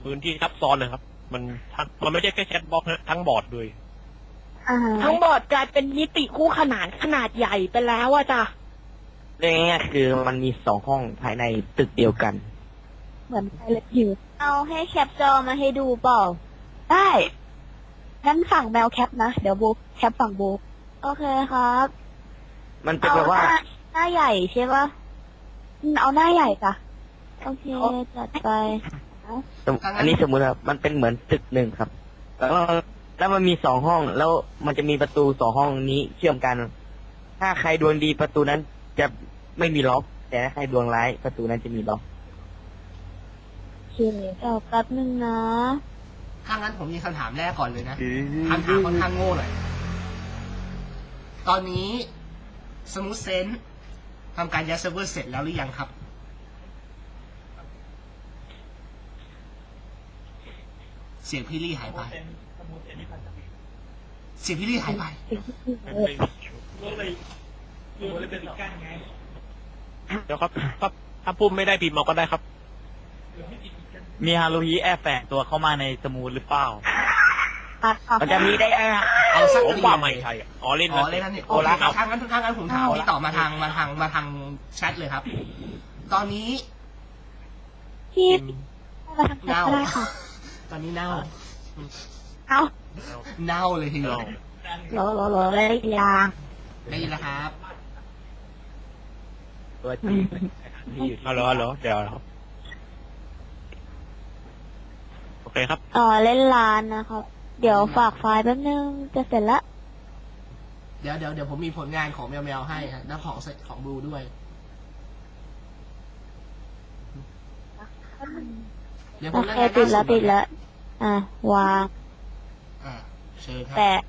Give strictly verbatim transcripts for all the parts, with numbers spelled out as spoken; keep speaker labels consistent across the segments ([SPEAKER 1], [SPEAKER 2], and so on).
[SPEAKER 1] พื้นที่ทับซ้อนนะครับ มันทั้งมันไม่ใช่แค่แชทบล็อกนะทั้งบอร์ดเลย
[SPEAKER 2] อ่า
[SPEAKER 3] ทั้งบอร์ดกลายเป็นมิติคู่ขนานขนาดใหญ่ไปแล้วอะจ้ะ
[SPEAKER 4] เรื่องง่ายๆคือมันมีสองห้องภายในตึกเดียวกัน
[SPEAKER 2] เหมือนไพลอตฮิว
[SPEAKER 5] เอาให้แคปจอมาให้ดูเปล่า
[SPEAKER 2] ได้งั้นฝั่งแมวแคปนะเดี๋ยวโบแคปฝั่งโบ
[SPEAKER 5] โอเคครับ
[SPEAKER 4] มันเป็น
[SPEAKER 5] เอา
[SPEAKER 4] แบบ
[SPEAKER 5] ห
[SPEAKER 4] ว่า
[SPEAKER 5] น้าหน้าใหญ่ใช่ปะ
[SPEAKER 2] อืมเอาหน้าใหญ่จ้ะ
[SPEAKER 5] โอเคจัดไป
[SPEAKER 4] สมอันนี้สมมุติครับมันเป็นเหมือนตึกหนึ่งครับ แล้วแล้วมันมีสองห้อง แล้วมันจะมีประตูสองห้องนี้เชื่อมกัน ถ้าใครดวงดีประตูนั้นจะไม่มีล็อก แต่ถ้าใครดวงร้ายประตูนั้นจะมีล็อก
[SPEAKER 2] โอเค
[SPEAKER 5] เดี๋ยวแป๊บนึงนะ
[SPEAKER 6] ถ้างั้นผมมีคำถามแรกก่อนเลยนะคำถามค่อนข้างโง่หน่อย ตอนนี้สมูทเซนทำการยัดเซิร์ฟเวอร์เสร็จแล้วหรือยังครับ เสียงพี่ลี่หายไป เสียงพี่ลี่หายไป
[SPEAKER 1] เดี๋ยวครับถ้าถ้าพุ่มไม่ได้พิมพ์มาก็ได้ครับ
[SPEAKER 7] มีฮารุฮิแอบแฝงตัวเข้ามาในสมูทหรือเปล่า
[SPEAKER 2] อ่ะอ่ะ
[SPEAKER 4] มันจะมีได้อ่ะ
[SPEAKER 6] เอาสัก
[SPEAKER 1] ผม
[SPEAKER 6] ที
[SPEAKER 1] ว่าไม่ใช่อะอ๋อเล่น
[SPEAKER 6] อ๋อเล่นนั่นนี่โอเคครับถ้างั้นถ้างั้นผมถามพี่ต่อมาทางมาทางมาทางแชทเลยครับ ตอนนี้
[SPEAKER 2] พี่มาทางแคป
[SPEAKER 6] เน่า
[SPEAKER 2] ก็ได้ค่ะ
[SPEAKER 6] ตอนนี้เน่า
[SPEAKER 2] เอา
[SPEAKER 6] เน่าเลยทีเดียว
[SPEAKER 2] รอรอรอได้ยาง
[SPEAKER 6] ได้ยินแล้วครับ
[SPEAKER 4] ตัวจริงที่อยู่
[SPEAKER 1] เอาเหรอเอาเหรอเดี๋ยวครับโอเคครับ
[SPEAKER 5] อ๋อเล่นร้านนะครับ เดี๋ยวฝากไฟล์แป๊บนึงจะเสร็จละ
[SPEAKER 6] เดี๋ยวเดี๋ยวเดี๋ยวผมมีผลงานของแมวแมวให้ฮะแล้วของของบลูด้วย เดี๋ยวผ
[SPEAKER 5] โอ
[SPEAKER 6] ม
[SPEAKER 5] เค
[SPEAKER 6] รายงาน
[SPEAKER 5] ติดแล้ว
[SPEAKER 6] ล่าสุ
[SPEAKER 5] ติดแล้ว อ่ะวาง
[SPEAKER 6] อ่าเชิญครับ
[SPEAKER 5] แปะ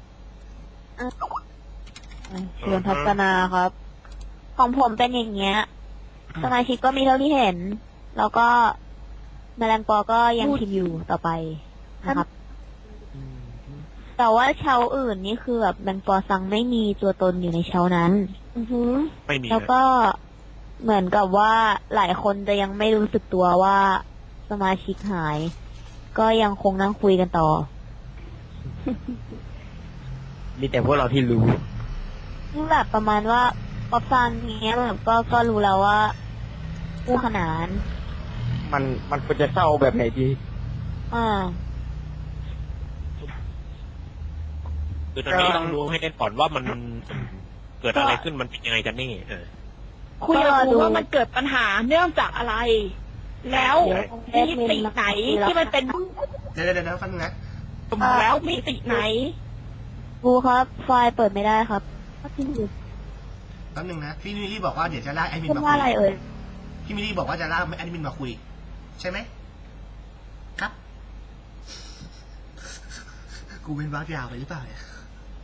[SPEAKER 2] เชิญพัฒนาครับ
[SPEAKER 5] ของผมเป็นอย่างเงี้ย สมาชิกก็มีเท่าที่เห็น แล้วก็แมลงปอก็ยังพิมพ์อยู่ต่อไปนะครับ แต่ว่าเชาอื่นนี่คือแบบแมลงปอซังไม่มีตัวตนอยู่ในเชานั้น
[SPEAKER 2] อือหือ
[SPEAKER 1] ไม่มี
[SPEAKER 5] แล้ว
[SPEAKER 1] เลย
[SPEAKER 5] ก็เหมือนกับว่าหลายคนจะยังไม่รู้สึกตัวว่าสมาชิกหาย ก็ยังคงนั่งคุยกันต่อ
[SPEAKER 4] มีแต่พวกเราที่รู้
[SPEAKER 5] นี่แบบประมาณว่าป๊อปซันเงี้ยแบบก็ก็รู้แล้วว่าคู่ขนาน
[SPEAKER 4] มันมันควรจะเศร้าแบบไหนดี
[SPEAKER 5] อ่า
[SPEAKER 1] คือตอนนี้ต้องรู้ให้ได้ก่อนว่ามันเกิดอะไรขึ้นมันเป็นยังไงกันแน่เออ
[SPEAKER 3] คุยกับครูว่ามันเกิดปัญหาเนื่องจากอะไร แล้วมิติไหนที่มันเป็น
[SPEAKER 6] เดี๋ยวเดี๋ยวเดี๋ยวฟังนะ
[SPEAKER 3] แล้วมิติไหน
[SPEAKER 5] ครูครับ ไฟล์เปิดไม่ได้ครับ
[SPEAKER 6] แป๊บนึงนะ พี่มิลลี่บอกว่าเดี๋ยวจะลากแอดมิน
[SPEAKER 5] พูด
[SPEAKER 6] มา
[SPEAKER 5] ว่า
[SPEAKER 6] คุ
[SPEAKER 5] อะไร
[SPEAKER 6] ย
[SPEAKER 5] เอ่ย
[SPEAKER 6] พี่มิลลี่บอกว่าจะลากแอดมินมาคุย ใช่ไหม ครับ กูเป็นบ้ายาวไปหรือเปล่าเนี่ย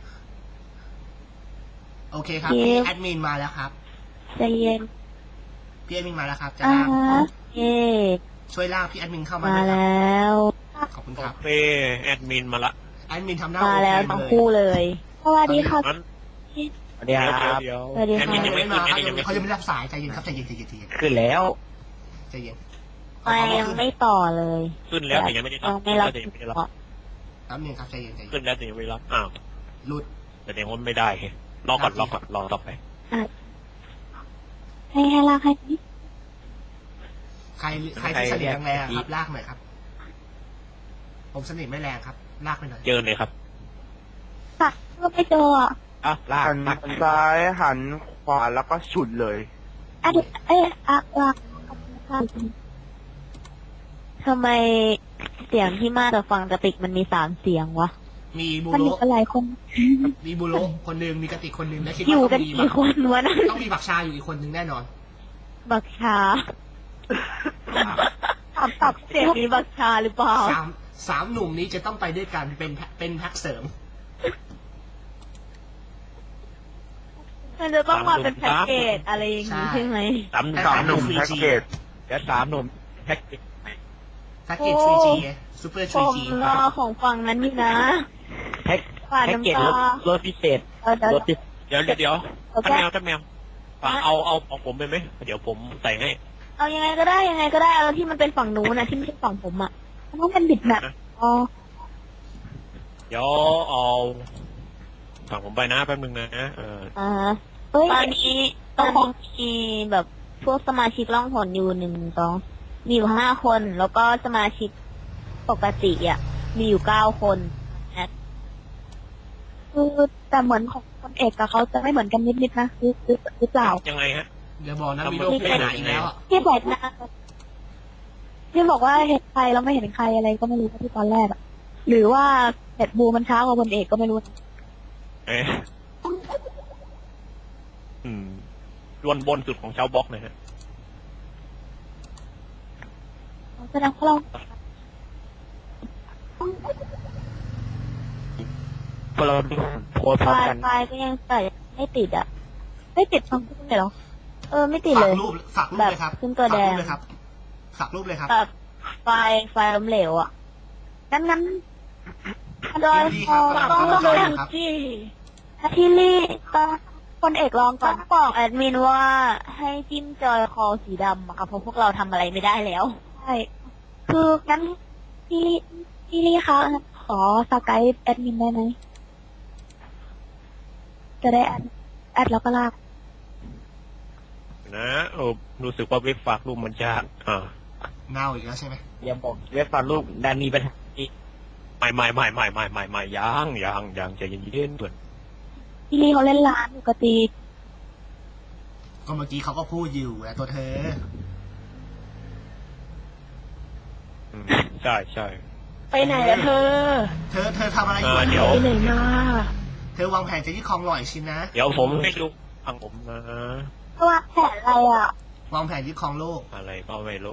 [SPEAKER 6] โอเคครับ พี่แอดมินมาแล้วครับ
[SPEAKER 5] ใจเย็น
[SPEAKER 6] พี่แอดมินมาแล้วครับ จะ
[SPEAKER 5] อ่า
[SPEAKER 6] ลาก
[SPEAKER 5] เย่
[SPEAKER 6] ช่วยลากพี่แอดมินเข้ามา
[SPEAKER 5] มา
[SPEAKER 6] ด้วยครับ
[SPEAKER 5] แล้ว
[SPEAKER 6] ขอบคุณ
[SPEAKER 1] โอ
[SPEAKER 6] ครับ
[SPEAKER 1] เคแอดมินมาละ
[SPEAKER 6] แอดมินทำหน้า
[SPEAKER 5] มา
[SPEAKER 6] โอเค
[SPEAKER 5] แล้ว
[SPEAKER 6] มา
[SPEAKER 5] ทั้ง
[SPEAKER 6] เลย
[SPEAKER 5] คู่เลย สวัสดีค่ะ
[SPEAKER 1] งั้น
[SPEAKER 4] สวัสดีครับ
[SPEAKER 1] เดี๋ยว
[SPEAKER 5] สวัสดี
[SPEAKER 1] แอด
[SPEAKER 5] ค่ะ
[SPEAKER 1] มินยังไม่
[SPEAKER 6] ไม่
[SPEAKER 1] ขึ้น
[SPEAKER 6] มา
[SPEAKER 1] แอดมินยังไม่
[SPEAKER 6] เขา
[SPEAKER 1] ขึ้
[SPEAKER 6] จะ
[SPEAKER 1] น
[SPEAKER 6] ไม่รับสายใจเย็นครับใจเย็นใจเย็นใจเย็น
[SPEAKER 4] ขึ้นแล้ว
[SPEAKER 6] ใจเย็น
[SPEAKER 5] ไม่ยังไม่ต่อเลย
[SPEAKER 1] ขึ้นแล้วแต่ยังไม่ได้รับ
[SPEAKER 5] ยังไม่รับ
[SPEAKER 1] แต่ยังไม่ได้รับ
[SPEAKER 6] แป๊บนึงครับใจเย็นใจเย็น
[SPEAKER 1] ขึ้นแล้วแต่ยังไม่ได้รับอ้าว
[SPEAKER 6] หลุด
[SPEAKER 1] แต่ยังว่าไม่ได้รอก่อนรอก่อนรอต่อไป
[SPEAKER 5] ให้ให้ลากให้นิด
[SPEAKER 6] ใครใครที่สนิทแรงๆครับลากหน่อยครับ ผมสนิทไม่แรงครับ ลากไปหน่อย
[SPEAKER 1] เจอเลยครับ
[SPEAKER 5] ค่ะก็ไม่เจออ่ะ
[SPEAKER 1] อ่ะลาก
[SPEAKER 8] หัน
[SPEAKER 1] ลาก
[SPEAKER 8] ซ้ายหันขวาแล้วก็ฉุดเลย
[SPEAKER 5] อะดิเอ๊ะอะอะทำไมเสียงที่มาจากฝั่งกระติกมันมีสามเสียงวะ
[SPEAKER 6] มีบู
[SPEAKER 5] มัน
[SPEAKER 6] โร
[SPEAKER 5] มีอะไรคน
[SPEAKER 6] มีบูโรคนหนึ่งมีกระติกคนหนึ่งและคิด
[SPEAKER 5] อ
[SPEAKER 6] ว่า
[SPEAKER 5] ยู่
[SPEAKER 6] ต้
[SPEAKER 5] กั
[SPEAKER 6] อน งมี
[SPEAKER 5] กี่คนวะนั่น
[SPEAKER 6] ต้องมีบักชาอยู่อีกคนหนึ่งแน่นอน
[SPEAKER 5] บักชาตอบตอบเสียงนี้บักชาหรือเปล่า
[SPEAKER 6] สามสามหนุ่มนี้จะต้องไปด้วยกันเป็นแพ็คเป็นแพ็คเสริม
[SPEAKER 5] มันจะต้องมาเป็นแพ็กเกจอะไรอย่างนี้ใช่ไหม
[SPEAKER 1] สาม
[SPEAKER 8] สามหนุ่มแพ็กเกจ
[SPEAKER 1] เดี๋ยวสามหนุ่มแพ็กเกจ
[SPEAKER 6] แพ็กเกจ ทรี จี ซูเปอร์ ท
[SPEAKER 5] ผ
[SPEAKER 6] รี
[SPEAKER 5] ม
[SPEAKER 6] จี
[SPEAKER 5] รอของฝั่งนั้นนี่นะ
[SPEAKER 4] แพ็ก
[SPEAKER 5] ฝาด
[SPEAKER 4] แพ็กเกจ
[SPEAKER 5] น้ำ
[SPEAKER 4] ร
[SPEAKER 5] ตา
[SPEAKER 4] ถรถพิเศษ
[SPEAKER 5] เออเดี๋ยว
[SPEAKER 4] รถพิเศษ
[SPEAKER 1] เดี๋ยวเดี๋ยวเดี๋ยว
[SPEAKER 5] โอเค
[SPEAKER 1] ท่านแมวท่านแมวเอาเอาเอาของผมไปไหมเดี๋ยวผมใส่ให้
[SPEAKER 5] เอายังไงก็ได้ยังไงก็ได้เอาที่มันเป็นฝั่งนู้นนะที่ไม่ใช่ฝั่งผมอ่ะ
[SPEAKER 2] มันต้องเป็นบิดแมปอ๋อ
[SPEAKER 1] เดี๋ยวเอาฝั่งผมไปนะแป๊บนึงนะเออ
[SPEAKER 5] อ่า
[SPEAKER 2] เฮ้ย
[SPEAKER 5] ตอนนี้ตอนนี้มีแบบพวกสมาชิกล่องหนอยู่หนึ่งสองมีอยู่ห้าคน แล้วก็สมาชิกปกติอ่ะ มีอยู่เก้าคน
[SPEAKER 2] คือแต่เหมือนของคนเอกกับเขาจะไม่เหมือนกันนิดๆนะหรือหรือหรือเปล่า
[SPEAKER 1] ยังไงฮะ
[SPEAKER 6] เดี๋ยวบอกนะมีโลกไปไหนอีกแล้วอะ
[SPEAKER 2] ที่บอกนะที่บอกว่าเห็นใครแล้วไม่เห็นใครอะไรก็ไม่รู้ที่ตอนแรกอะหรือว่าเห็ดบูมันช้ากว่าคนเอกก็ไม่รู้
[SPEAKER 1] เอ๊ะอืมรวนบนสุดของชาวบล็อกนะฮะ
[SPEAKER 2] แสดงว่าเรา
[SPEAKER 4] พอเราโพสต์พ
[SPEAKER 5] ไฟ
[SPEAKER 4] ร้อม
[SPEAKER 5] ล์
[SPEAKER 4] กัน
[SPEAKER 5] ไฟล์ก็ยังใส่ไม่ติดอ่ะ
[SPEAKER 2] ไม่ติดทั้งคู่เลยเหรอ
[SPEAKER 5] เออไม่ติด
[SPEAKER 6] ฝา
[SPEAKER 5] เล
[SPEAKER 6] ก
[SPEAKER 5] ย
[SPEAKER 6] รูปฝากรูปเลยครับ
[SPEAKER 5] แบบขึ้นตัวแดง
[SPEAKER 6] ฝากรูปเลยครับฝากรูปเลยครับ
[SPEAKER 5] แบบไฟล์ไฟล์ล้มเหลวอ่ะ
[SPEAKER 2] งั้นงั้น
[SPEAKER 5] โดย
[SPEAKER 6] ดี
[SPEAKER 5] พ
[SPEAKER 6] ครั
[SPEAKER 5] อบ ต้อง
[SPEAKER 6] ครั
[SPEAKER 5] ต้
[SPEAKER 6] บ
[SPEAKER 5] อง
[SPEAKER 6] ครับ
[SPEAKER 3] ที่
[SPEAKER 2] ที่รีต้องคนเอกลองก่
[SPEAKER 5] ต้
[SPEAKER 2] อ
[SPEAKER 5] อน งบอกแอดมินว่าให้จิ้มจอยคอสีดำอะค่ะเพราะพวกเราทำอะไรไม่ได้แล้ว
[SPEAKER 2] ใช่คืองั้นพี่พี่ลี่คะขอสกายแอดมินได้ไหมจะได้แอดแอดแล้วก็ลาก
[SPEAKER 1] นะเออรู้สึกว่าเว็บฝากรูปมันจะอ่า
[SPEAKER 6] เน่าอีกแล้วใช่ไหม
[SPEAKER 4] อย่าบอกเว็บฝากรูปดันมีปัญหาอีก
[SPEAKER 1] ไม่ไม่ไม่ไม่ไม่ไม่ไม่ยังยังยังใจเย็นๆเพื่อน
[SPEAKER 2] พี่ลี่เขาเล่นร้านปกติ
[SPEAKER 6] ก็เมื่อกี้เขาก็พูดอยู่แหละตัวเธอ
[SPEAKER 1] อืมใช่ใช่
[SPEAKER 3] ไปไหนอะเธอ
[SPEAKER 6] เธอเธอทำอะไรอยู่
[SPEAKER 1] อ่าเดี๋ยว
[SPEAKER 3] ไปไหนมา
[SPEAKER 6] เธอวางแผนจะยึดครองหล่อยชินนะ
[SPEAKER 1] เดี๋ยวผมให้ดูฟังผมนะ
[SPEAKER 2] เพราะว่าแผนอะไรอ่ะ
[SPEAKER 6] วางแผนยึดครองโลก
[SPEAKER 1] อะไรก็ไม่รู้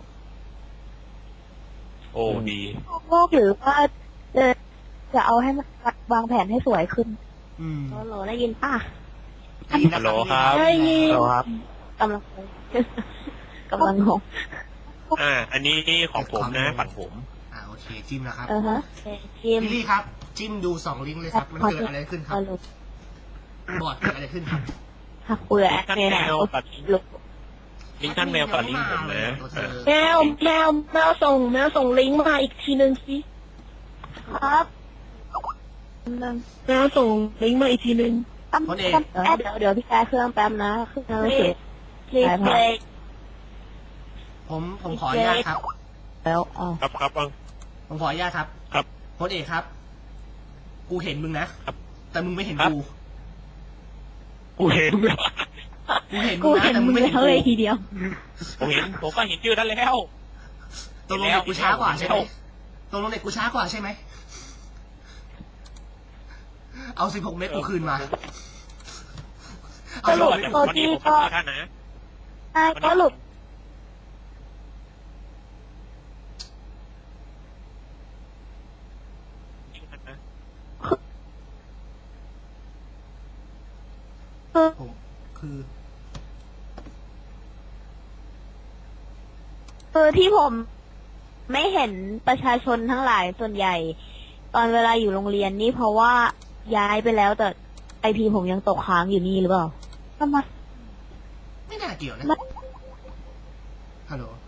[SPEAKER 1] โอ้ดี
[SPEAKER 2] โลกหรือว่าจะจะเอาให้มันวางแผนให้สวยขึ้น
[SPEAKER 6] อืม
[SPEAKER 5] โหลได้ยินป่ะ
[SPEAKER 6] ดีนะ
[SPEAKER 1] ฮัลโหลครับ
[SPEAKER 3] ได้ยิน
[SPEAKER 4] เราครับ
[SPEAKER 5] กำลังกำลังงง
[SPEAKER 1] อ่า อันนี้ของผมนะฝั่งผม
[SPEAKER 6] อ่าโอเคจิ้มนะครับ
[SPEAKER 5] เออฮะจิ้ม
[SPEAKER 6] พี่ลี่ครับ จิ้มดูสองลิงก์เลยครับ มันเกิดอะไรขึ้นค
[SPEAKER 5] พ
[SPEAKER 6] รั
[SPEAKER 5] อบ ลุก
[SPEAKER 6] บอร์ดเกิดอะไรขึ้นครับ
[SPEAKER 5] หักเปลือก
[SPEAKER 1] ท่าน
[SPEAKER 5] เนี่ย
[SPEAKER 1] แม
[SPEAKER 5] นะ
[SPEAKER 1] วกับลิง
[SPEAKER 5] ลุก
[SPEAKER 1] ลิงก์ท่านแมวกับลิงก์ผมนะ
[SPEAKER 6] ตัวเธ
[SPEAKER 1] อ่า
[SPEAKER 6] อ
[SPEAKER 3] แมวแมวแมวส่งแมวส่งลิงก์มาอีกทีนึงสิ
[SPEAKER 2] ครับ
[SPEAKER 3] แมวส่งลิงก์มาอีกทีนึง
[SPEAKER 2] ตั้ม
[SPEAKER 6] คนเอก
[SPEAKER 2] ตั้ม
[SPEAKER 5] เดี๋ยว
[SPEAKER 2] แอด
[SPEAKER 5] เดี๋ยวเดี๋ยวพี่แจ๊เครื่องแป๊บนะเครื่องไม่เสร็จคลิปเลย
[SPEAKER 6] ผมผมขออนุญาตครับ
[SPEAKER 5] แล้วอ๋อ
[SPEAKER 1] ครับครับเอา
[SPEAKER 6] ผมขออนุญาตครับ
[SPEAKER 1] ครับ
[SPEAKER 6] พลเอกครับ กูเห็นมึงนะ
[SPEAKER 1] ครับ
[SPEAKER 6] แต่มึงไม่เห็น
[SPEAKER 1] ครับ
[SPEAKER 6] กู
[SPEAKER 1] กูเห็น
[SPEAKER 6] กูเห็นมึ
[SPEAKER 5] กู
[SPEAKER 6] งนะ
[SPEAKER 5] เห็น
[SPEAKER 6] แต่มึ
[SPEAKER 5] มึ
[SPEAKER 6] ง
[SPEAKER 5] ง
[SPEAKER 6] ไม่
[SPEAKER 5] เล
[SPEAKER 6] เห็น
[SPEAKER 5] ย
[SPEAKER 6] กู
[SPEAKER 5] เลยทีเดียว
[SPEAKER 1] ผมเห็นผมก็เห็นชื่อนั้นแล้ว
[SPEAKER 6] ตกลงเด็กกูช้ากว่าใช่ไหม
[SPEAKER 1] แล้ว
[SPEAKER 6] ตกลงเด็กกูช้ากว่าใช่ไหม เอาสิบหกเมตรกูคืนมา
[SPEAKER 2] ส
[SPEAKER 6] เอา
[SPEAKER 2] รุป
[SPEAKER 6] สิบหกเมตร
[SPEAKER 2] ตัว
[SPEAKER 1] วันนี้
[SPEAKER 2] ที่
[SPEAKER 1] ผม
[SPEAKER 2] ก็
[SPEAKER 1] ขอท่านนะ
[SPEAKER 2] ใช่ก็สรุปคือ
[SPEAKER 6] ผมคือ
[SPEAKER 5] คือที่ผมไม่เห็นประชาชนทั้งหลายส่วนใหญ่ ตอนเวลาอยู่โรงเรียนนี่เพราะว่าย้ายไปแล้วแต่ไอพีผมยังตกค้างอยู่นี่หรือเปล่า
[SPEAKER 2] ทำไม
[SPEAKER 6] ไม่น่าเกี่ยวนะ
[SPEAKER 2] ไม่
[SPEAKER 6] ฮัลโหล